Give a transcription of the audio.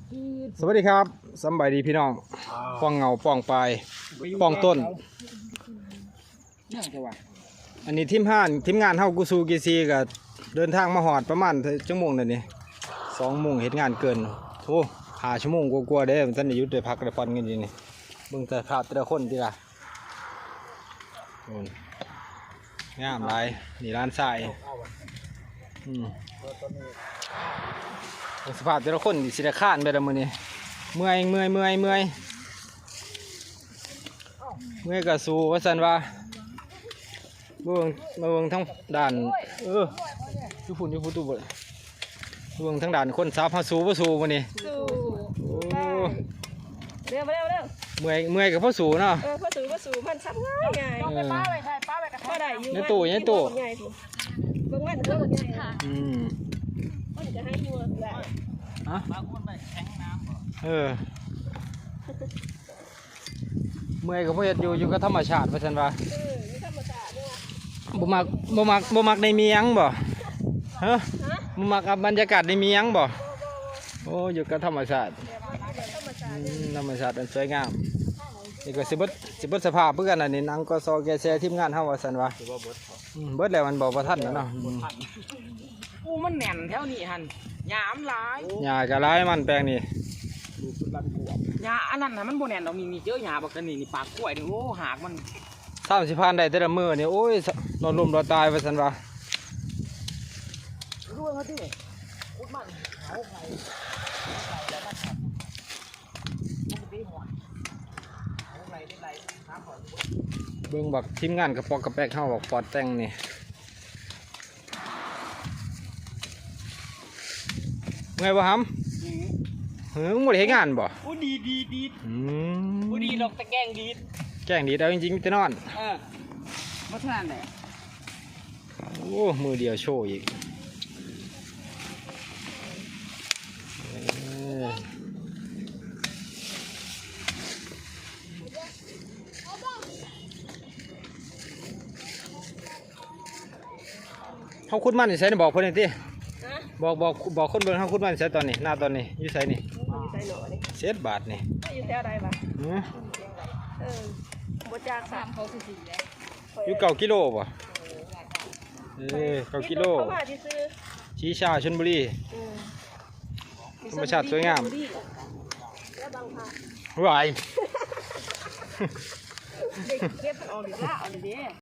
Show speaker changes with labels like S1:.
S1: สวัสดีครับสบายดีพี่น้องป้องเงาป้องปลายป้องต้นอันนี้ทีมงานเฮากูซูกีซีกับเดินทางมาหอดประมาณชั่วโมงนั่นนี่2 โมงเห็นงานเกินโอ้5 ชั่วโมงกลัวๆเด้ท่านได้หยุดได้พักได้ผ่อนกันอยู่นี่เบิ่งแต่ภาพแต่ละคนดีล่ะโน่นงามหลายนี่ร้านทรายสภาพแต่ละคนดิสิได้ข้านไปแล้วมื้อนี้เมื่อยก็สู้ว่าซั่นว่าเบิ่งทั้งด่านอยู่พุ่นตู้บ่เบิ่งทั้งด่านคนสาวเฮาสู้บ่สู้มื้อนี้สู้โอ้เร็วเมื่อยก็พอสู้เนาะพอสู้มันซับง่ายต้องไปป้าไว้ใช่ป้าไว้กระทะได้อยู่ในตู้ใหญ่พุ่นเบิ่งมันเบิ่งใหญ่ค่ะมันจะให้อยู่ได้บางคนไปแข็งน้ำเมื่อยก็บ่เฮ็ดอยู่กับธรรมชาติว่าซั่นว่าธรรมชาติเนี่ยบ่มักในเมียงบ่ฮะบ่มักบรรยากาศในเมียงบ่โอ้อยู่กับธรรมชาติธรรมชาติมันสวยงามนี่ก็สิเบิดสภาพเพื่อนอันนี้นังก็ซอแกแซ่ทีมงานเฮาว่าซั่นว่าเบิดแล้วมันบ่ทันแล้วเนาะ
S2: มันแน่นแถวนี้หั่นหญ้ามันหลาย
S1: หญ้าก็หลายมันแปลงนี่
S2: หญ้าอันนั้นน่ะมันบ่แน่นดอกมีเจอหญ้าบักกันนี่ปากกล้วยนี่โอ้หากมัน
S1: 30 พันได้แต่ละมื้อนี่โอ้ยนอนลมรอตายว่าซั่นว่า
S2: รู้ว่าที่อุดมันเอาไผแล้วมันครับมันสิหอดเอาไรได้น้ำหอด
S1: เบิ่งบักทีมงานกระปอกกระแปกเฮาบักปอดแต่งนี่เมื่อยบ่หำมึงบ่ได้เฮ็ดงานบ่
S2: โอ้ดีโอ้ดีดอกตะแกงดี
S1: เอาจริงๆมีแต่นอน
S2: บ่ทันได้
S1: โอ้มือเดียวโชว์อีกเขาคุดมันใส่บอกเพิ่นนี่ติบอกคนเบิ่งเขาคุดมันใส่ตอนนี้หน้าตอนนี้อยู่ใส่นี่เศษบาทนี่
S3: อยู่แถวใดบ่บ่จาก3เขาสิแล้ว
S1: อยู่9 กิโลบ่9 กิโลชี้ชาชลบุรีธรรมชาติสวยงามวาย
S3: เด็กเก็บมันออกดีละเอาดิ